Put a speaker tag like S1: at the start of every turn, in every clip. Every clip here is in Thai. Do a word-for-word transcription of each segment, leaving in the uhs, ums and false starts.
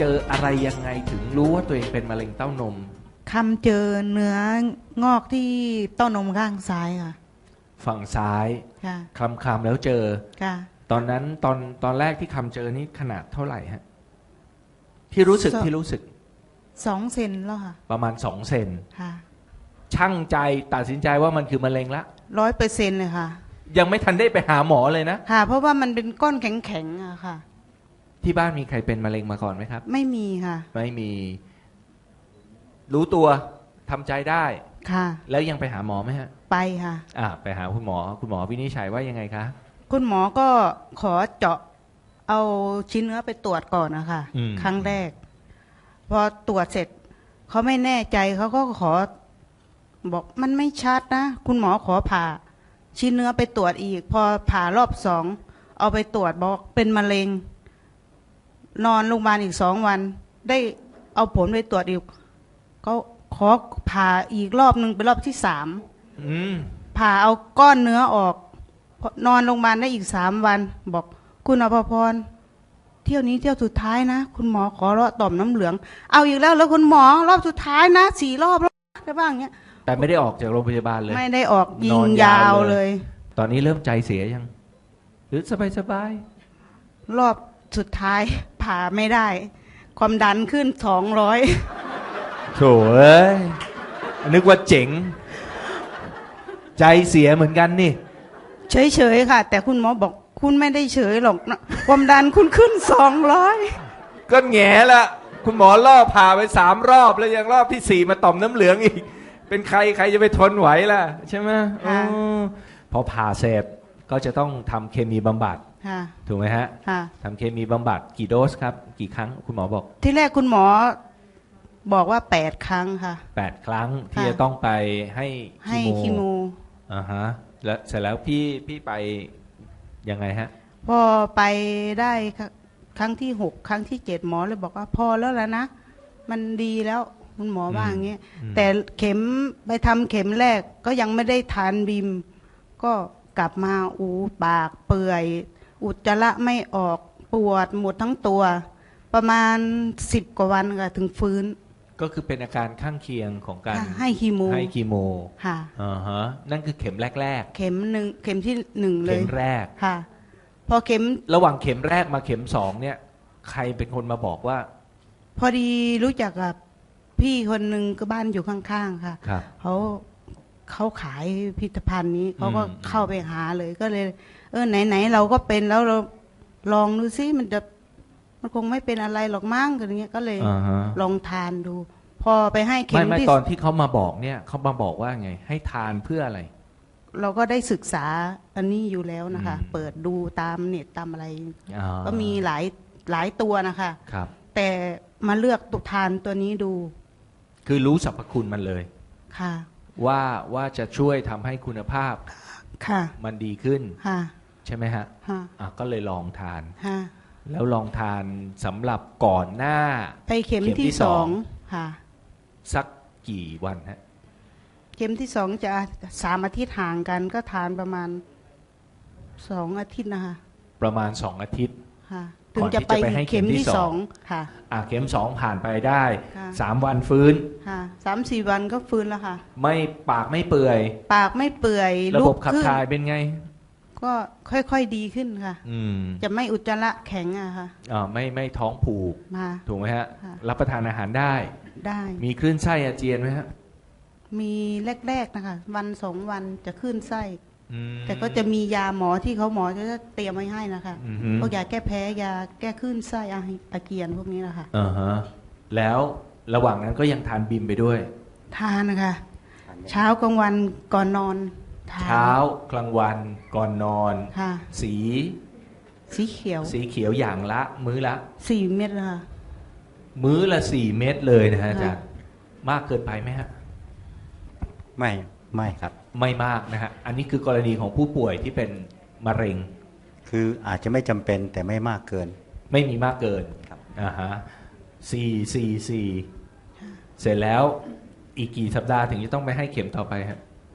S1: เจออะไรยังไงถึงรู้ว่าตัวเองเป็นมะเร็งเต้านม
S2: คำเจอเนื้องอกที่เต้านมข้างซ้ายค่ะ
S1: ฝั่งซ้าย
S2: ค่ะ
S1: คลำคลำแล้วเจอ
S2: ค่ะ
S1: ตอนนั้นตอนตอนแรกที่คำเจอนี่ขนาดเท่าไหร่ฮะที่รู้สึกที่รู้สึก
S2: สองเซนแล้วค่ะ
S1: ประมาณสองเซน
S2: ค่ะ
S1: ช่างใจตัดสินใจว่ามันคือมะเร็งละ
S2: ร้อยเปอร์เซ็นต์เลยค่ะ
S1: ยังไม่ทันได้ไปหาหมอเลยนะ
S2: ค่ะเพราะว่ามันเป็นก้อนแข็งๆอะค่ะ
S1: ที่บ้านมีใครเป็นมะเร็งมาก่อนไหมครับ
S2: ไม่มีค่ะ
S1: ไม่มีรู้ตัวทำใจได้
S2: ค่ะ
S1: แล้วยังไปหาหมอไหมฮะ
S2: ไปค่ะ
S1: อ่าไปหาคุณหมอคุณหมอวินิจฉัยว่ายังไงคะ
S2: คุณหมอก็ขอเจาะเอาชิ้นเนื้อไปตรวจก่อนนะคะครั้งแรกพอตรวจเสร็จเขาไม่แน่ใจเขาก็ขอบอกมันไม่ชัดนะคุณหมอขอผ่าชิ้นเนื้อไปตรวจอีกพอผ่ารอบสองเอาไปตรวจบอกเป็นมะเร็งนอนโรงพยาบาลอีกสองวันได้เอาผลไปตรวจอีกก็ขอผ่าอีกรอบหนึ่งเป็นรอบที่สามผ่าเอาก้อนเนื้อออกนอนโรงพยาบาลได้อีกสามวันบอกคุณอภพรเที่ยวนี้เที่ยวสุดท้ายนะคุณหมอขอเลาะต่อมน้ำเหลืองเอาอีกแล้วแล้วคุณหมอรอบสุดท้ายนะสี่รอบแล้วได้บ้างเงี้ย
S1: แต่ไม่ได้ออกจากโรงพยาบาลเลย
S2: ไม่ได้ออกยิงยาวเลย
S1: ตอนนี้เริ่มใจเสียยังหรือสบายสบาย
S2: รอบสุดท้ายผ่าไม่ได้ความดันขึ้นสองร้อย
S1: โถ่เอ้ยนึกว่าเจ๋งใจเสียเหมือนกันนี่
S2: เฉยๆค่ะแต่คุณหมอบอกคุณไม่ได้เฉยหรอกนะความดันคุณขึ้นสองร้อย
S1: ก็แง่ละคุณหมอล่อผ่าไปสามรอบแล้วยังรอบที่สี่มาต่อมน้ำเหลืองอีกเป็นใครใครจะไปทนไหวล่ะใช่ไหมอพอผ่าเสร็จก็จะต้องทำเคมีบำบัดถูกไหมฮะทำเคมีบำบัดกี่โดสครับกี่ครั้งคุณหมอบอก
S2: ที่แรกคุณหมอบอกว่าแปดครั้งค่ะ
S1: แปดครั้งที่จะต้องไปให้
S2: คีโม
S1: อ่าฮะแล้วเสร็จแล้วพี่พี่ไปยังไงฮะ
S2: พอไปได้ครั้งที่หกครั้งที่เจ็ดหมอเลยบอกว่าพอแล้วแล้วนะมันดีแล้วคุณหมอว่าอย่างเงี้ยแต่เข็มไปทำเข็มแรกก็ยังไม่ได้ทานบิมก็กลับมาอูปากเปื่อยอุจจาระไม่ออกปวดหมดทั้งตัวประมาณสิบกว่าวันค่ะถึงฟื้น
S1: ก็คือเป็นอาการข้างเคียงของการ
S2: ให้คีโม
S1: ให้คีโม
S2: ค่ะ
S1: อ่าฮะนั่นคือเข็มแรก
S2: ๆเข็มหนึ่งเข็มที่หนึ่งเลย
S1: เข็มแรก
S2: ค่ะพอเข็ม
S1: ระหว่างเข็มแรกมาเข็มสองเนี่ยใครเป็นคนมาบอกว่า
S2: พอดีรู้จักกับพี่คนหนึ่งก็บ้านอยู่ข้างๆค่ะเขาเขาขายพิพิธภัณฑ์นี้เขาก็เข้าไปหาเลยก็เลยเออไหนๆเราก็เป็นแล้วเราลองดูซิมันจะมันคงไม่เป็นอะไรหรอกมั้งอะไรเงี้ยก็เลยลองทานดูพอไปให้เข็ม
S1: ที่ตอนที่เขามาบอกเนี่ยเขามาบอกว่าไงให้ทานเพื่ออะไร
S2: เราก็ได้ศึกษาอันนี้อยู่แล้วนะคะเปิดดูตามเน็ตตามอะไรก็มีหลายหลายตัวนะคะ
S1: ครับ
S2: แต่มาเลือกตุทานตัวนี้ดู
S1: คือรู้สรรพคุณมันเลย
S2: ค่ะ
S1: ว่าว่าจะช่วยทำให้คุณภาพ
S2: ค่ะ
S1: มันดีขึ้น
S2: ค่ะ
S1: ใช่ไหมฮะอ่ะก็เลยลองทาน
S2: ค่ะ
S1: แล้วลองทานสำหรับก่อนหน้า
S2: ไปเข็มที่สองค่ะ
S1: สักกี่วันฮะ
S2: เข็มที่สองจะสามอาทิตย์ห่างกันก็ทานประมาณสองอาทิตย์นะคะ
S1: ประมาณสองอาทิตย์
S2: ค่ะถึงจะไปเข็มที่สองค่ะ
S1: อ่ะเข็มสองผ่านไปได้สามวันฟื้น
S2: ค่ะสามสี่วันก็ฟื้นแล้วค่ะ
S1: ไม่ปากไม่เปื่อย
S2: ปากไม่เปื่อย
S1: ระบบขับถ่ายเป็นไง
S2: ก็ค่อยๆดีขึ้นค่ะจะไม่อุจจาระแข็งอะค่ะ
S1: อ่าไม่ไม่ท้องผูกถูกไหมฮะรับประทานอาหารได้
S2: ได้
S1: มีคลื่นไส้อาเจียนไหมฮะ
S2: มีแรกๆนะคะวันสองวันจะคลื่นไส้แต่ก็จะมียาหมอที่เขาหมอจะเตรียมไว้ให้นะคะพวกยาแก้แพ้ยาแก้คลื่นไส้อาเจียนพวกนี้นะคะ
S1: อ่าฮะแล้วระหว่างนั้นก็ยังทานบิมไปด้วย
S2: ทานนะคะเช้ากลางวันก่อนนอน
S1: เช้ากลางวันก่อนนอนสี
S2: สีเขียว
S1: สีเขียวอย่างละมื้อละ
S2: สี่เม็ดละ
S1: มื้อละสี่เม็ดเลยนะฮะอาจารย์มากเกินไปไหมฮะ
S3: ไม่ไม่ครับ
S1: ไม่มากนะฮะอันนี้คือกรณีของผู้ป่วยที่เป็นมะเร็ง
S3: คืออาจจะไม่จำเป็นแต่ไม่มากเกิน
S1: ไม่มีมากเกินครับอ่าฮะสี่สี่สี่เสร็จแล้วอีกกี่สัปดาห์ถึงจะต้องไปให้เข็มต่อไปครับ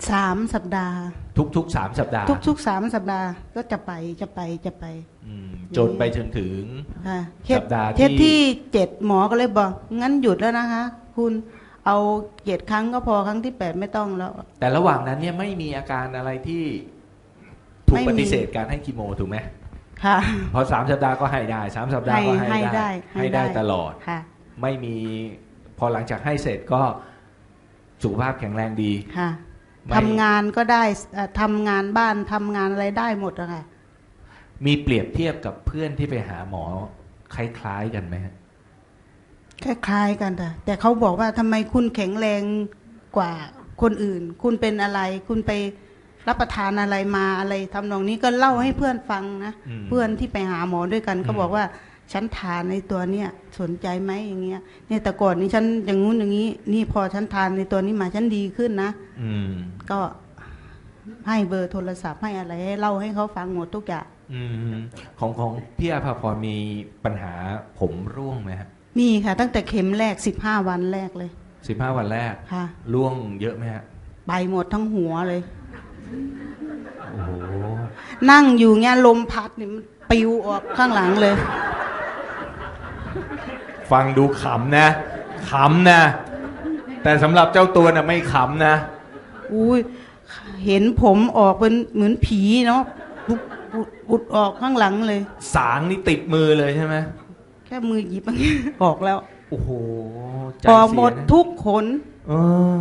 S2: สามสัปดาห์
S1: ทุกๆสามสัปดาห์
S2: ทุกๆสามสัปดาห์ก็จะไปจะไปจะไป
S1: อืมจนไปจนถึง
S2: ค่ะ
S1: สัปดาห์ที่
S2: เทสที่เจ็ดหมอก็เลยบอกงั้นหยุดแล้วนะคะ คุณเอาเจ็ดครั้งก็พอครั้งที่แปดไม่ต้องแล้ว
S1: แต่ระหว่างนั้นเนี่ยไม่มีอาการอะไรที่ถูก
S2: ไม่มี
S1: ปฏิเสธการให้คีโมถูกไหม
S2: ค่ะ
S1: พอสามสัปดาห์ก็ให้ได้สามสัปดาห์ก็
S2: ให้
S1: ให้
S2: ให้ได้
S1: ได้ให้ได้ตลอด
S2: ค่ะ
S1: ไม่มีพอหลังจากให้เสร็จก็สุขภาพแข็งแรงดี
S2: ค่ะ
S1: ไม่
S2: ทำงานก็ได้เอ่อทำงานบ้านทำงานอะไรได้หมดอะค่ะ
S1: มีเปรียบเทียบกับเพื่อนที่ไปหาหมอคล้ายๆกันไหมฮะ
S2: คล้ายๆกันแต่แต่เขาบอกว่าทำไมคุณแข็งแรงกว่าคนอื่น คุณเป็นอะไร คุณไปรับประทานอะไรมาอะไรทำนองนี้ก็เล่าให้เพื่อนฟังนะ
S1: อืม
S2: เพื่อนที่ไปหาหมอด้วยกัน
S1: อืม
S2: ก็บอกว่าฉันทานในตัวเนี้ยสนใจไหมอย่างเงี้ยเนี่ยแต่ก่อนนี้ฉันอย่างงู้นอย่างนี้ นี่พอฉันทานในตัวนี้มาฉันดีขึ้นนะ
S1: อืม
S2: ก็ให้เบอร์โทรศัพท์ให้อะไรให้เล่าให้เขาฟังหมดทุกอย่าง
S1: อืมของของพี่อาภาพรมีปัญหาผมร่วงไหมฮะ
S2: มีค่ะ ตั้งแต่เข็มแรกสิบห้าวันแรกเลย
S1: สิบห้าวันแรก
S2: ค่ะ
S1: ร่วงเยอะไหมฮะ
S2: ไปหมดทั้งหัวเลย
S1: โอ้โห
S2: นั่งอยู่เงี้ยลมพัดนี่มันปิวออกข้างหลังเลย
S1: ฟังดูขำนะขำนะ แต่สำหรับเจ้าตัวน่ะไม่ขำนะ
S2: อุ้ยเห็นผมออกเป็นเหมือนผีเนาะปุดปุดปุดออกข้างหลังเลย
S1: สางนี่ติดมือเลยใช่ไหม
S2: แค่มือหยิบอย่างเงี้ยออกแล้ว
S1: โอ้โหใจ
S2: ออก
S1: เสี
S2: หม
S1: ย
S2: ด
S1: นะ
S2: ทุกขน
S1: เออ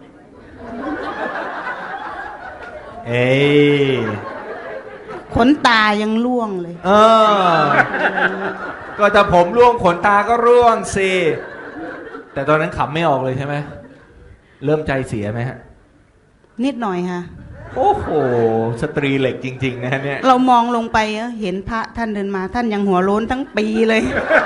S1: เอ้ย
S2: ขนตายังร่วงเลย
S1: เออ ก็ถ้าผมร่วงขนตาก็ร่วงสิ แต่ตอนนั้นขำไม่ออกเลยใช่ไหม เริ่มใจเสียไหมฮะ
S2: นิดหน่อยค่ะ
S1: โอ้โห สตรีเหล็กจริง ๆ นะเนี่ย
S2: เรามองลงไปเอ้อเห็นพระท่านเดินมา ท่านยังหัวโล้นทั้งปีเลย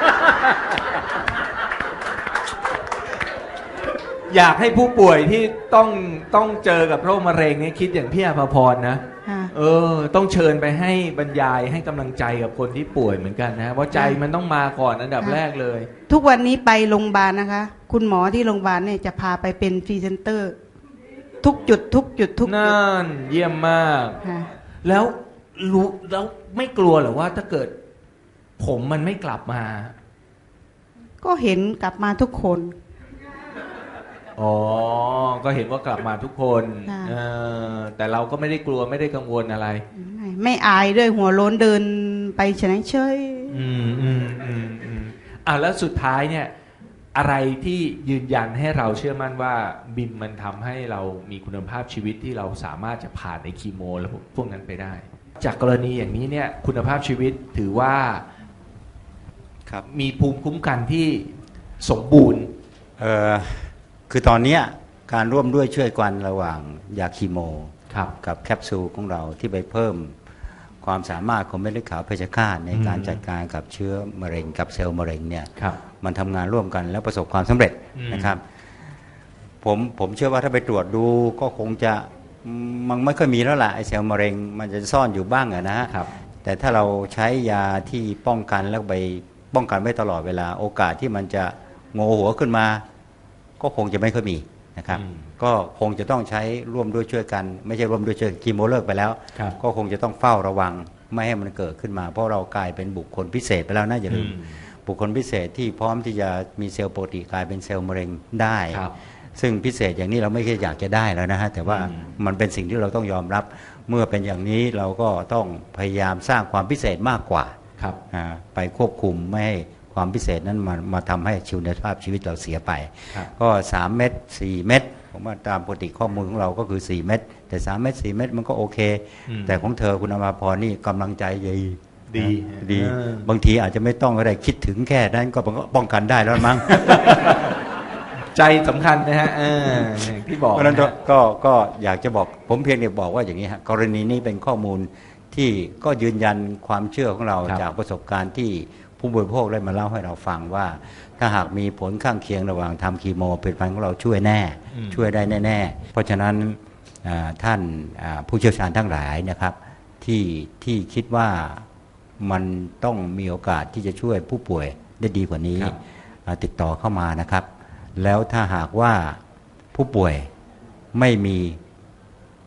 S1: อยากให้ผู้ป่วยที่ต้องต้องเจอกับโรคมะเร็งเนี่ยคิดอย่างพี่อภพรนะ
S2: ค่ะ
S1: เออ ต้องเชิญไปให้บรรยายให้กำลังใจกับคนที่ป่วยเหมือนกันนะ เพราะใจมันต้องมาก่อนอันดับแรกเลย
S2: ทุกวันนี้ไปโรงพยาบาลนะคะ คุณหมอที่โรงพยาบาลเนี่ยจะพาไปเป็นพรีเซนเตอร์ ทุกจุดทุกจุดทุกจุด
S1: นั่นเยี่ยมมาก
S2: ค่ะ
S1: แล้วรู้แล้วไม่กลัวเหรอว่าถ้าเกิด ผมมันไม่กลับมา
S2: ก็เห็นกลับมาทุกคน
S1: อ๋อ ก็เห็นว่ากลับมาทุกคน
S2: ค่ะ
S1: เออแต่เราก็ไม่ได้กลัวไม่ได้กังวลอะไร
S2: ไม่ไม่อายด้วยหัวโล้นเดินไปเฉยเฉย
S1: อืมอืมอืมอืมอ่ะแล้วสุดท้ายเนี่ย อะไรที่ยืนยันให้เราเชื่อมั่นว่าบิมมันทำให้เรามีคุณภาพชีวิตที่เราสามารถจะผ่านในคีโมแล้วพวกนั้นไปได้ จากกรณีอย่างนี้เนี่ย คุณภาพชีวิตถือว่า
S3: ครับ
S1: มีภูมิคุ้มกันที่สมบูรณ์
S3: เอ่อคือตอนเนี้ยการร่วมด้วยช่วยกันระหว่างยาคีโม
S1: ครับ
S3: กับแคปซูลของเราที่ไปเพิ่มความสามารถของเม็ดเลือดขาวเพชฌฆาตในการ
S1: อืม
S3: จัดการกับเชื้อมะเร็งกับเซลล์มะเร็งเนี่ย
S1: ครับ
S3: มันทำงานร่วมกันแล้วประสบความสำเร็จ
S1: อืม
S3: นะครับผมผมเชื่อว่าถ้าไปตรวจดูก็คงจะมันไม่ค่อยมีแล้วล่ะไอเซลล์มะเร็งมันจะซ่อนอยู่บ้างอะนะฮะ
S1: ครับ
S3: แต่ถ้าเราใช้ยาที่ป้องกันแล้วไปป้องกันไว้ตลอดเวลาโอกาสที่มันจะโงหัวขึ้นมา ก็คงจะไม่ค่อยมีนะครับ
S1: อืม
S3: ก็คงจะต้องใช้ร่วมด้วยช่วยกัน ไม่ใช่ร่วมด้วยช่วยคีโมเลิกไปแล้ว
S1: ครับ
S3: ก็คงจะต้องเฝ้าระวังไม่ให้มันเกิดขึ้นมา เพราะเรากลายเป็นบุคคลพิเศษไปแล้วนะอย่าลืม
S1: อืม
S3: บุคคลพิเศษที่พร้อมที่จะมีเซลล์ปกติกลายเป็นเซลล์มะเร็งได้
S1: ครับ
S3: ซึ่งพิเศษอย่างนี้เราไม่ใช่อยากจะได้แล้วนะฮะแต่ว่า
S1: อืม
S3: มันเป็นสิ่งที่เราต้องยอมรับ เมื่อเป็นอย่างนี้เราก็ต้องพยายามสร้างความพิเศษมากกว่า
S1: ครับ
S3: อ่าไปควบคุมไม่ให้ความพิเศษนั้นมามาทำให้ชีวิตภาพชีวิตเราเสียไป
S1: ครับ
S3: ก็สามเม็ดสี่เม็ดผมว่าตามปกติข้อมูลของเราก็คือสี่เม็ดแต่สามเม็ดสี่เม็ดมันก็โอเค
S1: อืม
S3: แต่ของเธอคุณอภพรนี่กำลังใจดี
S1: ดี
S3: นะดี
S1: เออ
S3: บางทีอาจจะไม่ต้องอะไรคิดถึงแค่นั้นก็ป้องกันได้แล้วมั้ง
S1: ใจสำคัญนะฮะเอออย่างที่บอก
S3: เพราะฉะนั้น
S1: นะฮะ
S3: ก็ก็อยากจะบอกผมเพียงแต่บอกว่าอย่างนี้ฮะกรณีนี้เป็นข้อมูลที่ก็ยืนยันความเชื่อของเรา
S1: ครับ
S3: จากประสบการณ์ที่ผู้บริโภคได้มาเล่าให้เราฟังว่า ถ้าหากมีผลข้างเคียงระหว่างทำคีโมผลิตภัณฑ์ของเราช่วยแน่
S1: อืม
S3: ช่วยได้แน่ๆเพราะฉะนั้นอ่าท่านอ่าผู้เชี่ยวชาญทั้งหลายนะครับที่ที่คิดว่ามันต้องมีโอกาสที่จะช่วยผู้ป่วยได้ดีกว่านี้
S1: ครับ
S3: อ่าติดต่อเข้ามานะครับ แล้วถ้าหากว่าผู้ป่วยไม่มี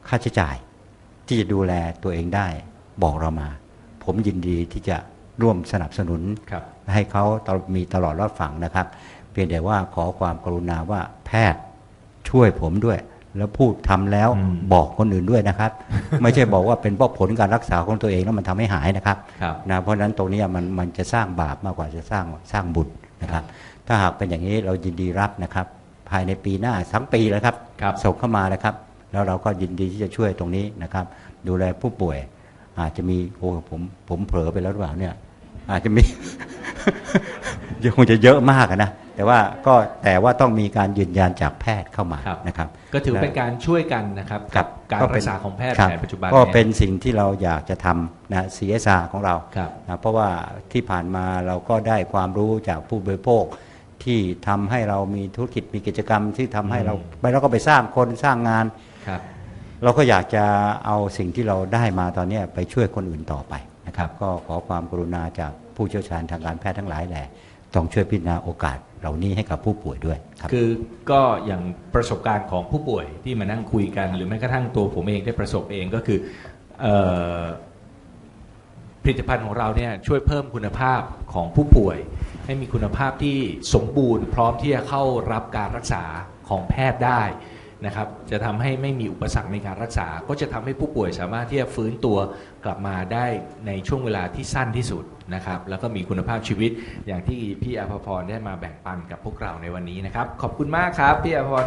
S3: ค่าใช้จ่ายที่จะดูแลตัวเองได้บอกเรามา ผมยินดีที่จะร่วมสนับสนุน
S1: ครับ
S3: ให้เขามีตลอดรอดฝั่งนะครับ เพียงแต่ว่าขอความกรุณาว่าแพทย์ช่วยผมด้วย แล้วพูดทำแล้ว
S1: อืม
S3: บอกคนอื่นด้วยนะครับ ไม่ใช่บอกว่าเป็นเพราะผลการรักษาของตัวเองแล้วมันทำให้หายนะครับ
S1: ครับ
S3: นะเพราะฉะนั้นตรงนี้มันมันจะสร้างบาปมากกว่าจะสร้างสร้างบุญนะครับ ถ้าหากเป็นอย่างนี้เรายินดีรับนะครับ ภายในปีหน้าทั้งปีแล้วครับ
S1: ครับ
S3: ส่งเข้ามานะครับ แล้วเราก็ยินดีที่จะช่วยตรงนี้นะครับ ดูแลผู้ป่วย อาจจะมีโอ้ผมผมเผลอไปแล้วหรือเปล่าเนี่ยอาจจะมี คงจะเยอะมากอะนะแต่ว่าก็แต่ว่าต้องมีการยืนยันจากแพทย์เข้ามา
S1: ครับ
S3: นะครับ
S1: ก็ถือเป็นการช่วยกันนะครับ
S3: ครับ
S1: การ
S3: ก็
S1: รั
S3: เป็
S1: ก
S3: น
S1: ษาของแพทย์
S3: ครับ
S1: แผนปัจจุบัน
S3: ก็
S1: ย
S3: เป็นสิ่งที่เราอยากจะทำนะ ซี เอส อาร์ ของเรา
S1: ครับ
S3: นะเพราะว่าที่ผ่านมาเราก็ได้ความรู้จากผู้บริโภคที่ทำให้เรามีธุรกิจมีกิจกรรมที่ทำให้เรา
S1: อืม
S3: ไปแล้วก็ไปสร้างคนสร้างงาน
S1: ครับ
S3: เราก็อยากจะเอาสิ่งที่เราได้มาตอนนี้ไปช่วยคนอื่นต่อไปนะครับ ก็ขอความกรุณาจากผู้เชี่ยวชาญทางการแพทย์ทั้งหลายแหละต้องช่วยพิจารณาโอกาสเหล่านี้ให้กับผู้ป่วยด้วยครับ
S1: คือก็อย่างประสบการณ์ของผู้ป่วยที่มานั่งคุยกัน หรือแม้กระทั่งตัวผมเองได้ประสบเองก็คือเอ่อผลิตภัณฑ์ของเราเนี่ยช่วยเพิ่มคุณภาพของผู้ป่วย ให้มีคุณภาพที่สมบูรณ์พร้อมที่จะเข้ารับการรักษาของแพทย์ได้นะครับ จะทำให้ไม่มีอุปสรรคในการรักษา ก็จะทำให้ผู้ป่วยสามารถที่จะฟื้นตัวกลับมาได้ในช่วงเวลาที่สั้นที่สุดนะครับ แล้วก็มีคุณภาพชีวิตอย่างที่พี่อภพรได้มาแบ่งปันกับพวกเราในวันนี้นะครับ ขอบคุณมากครับพี่อภพร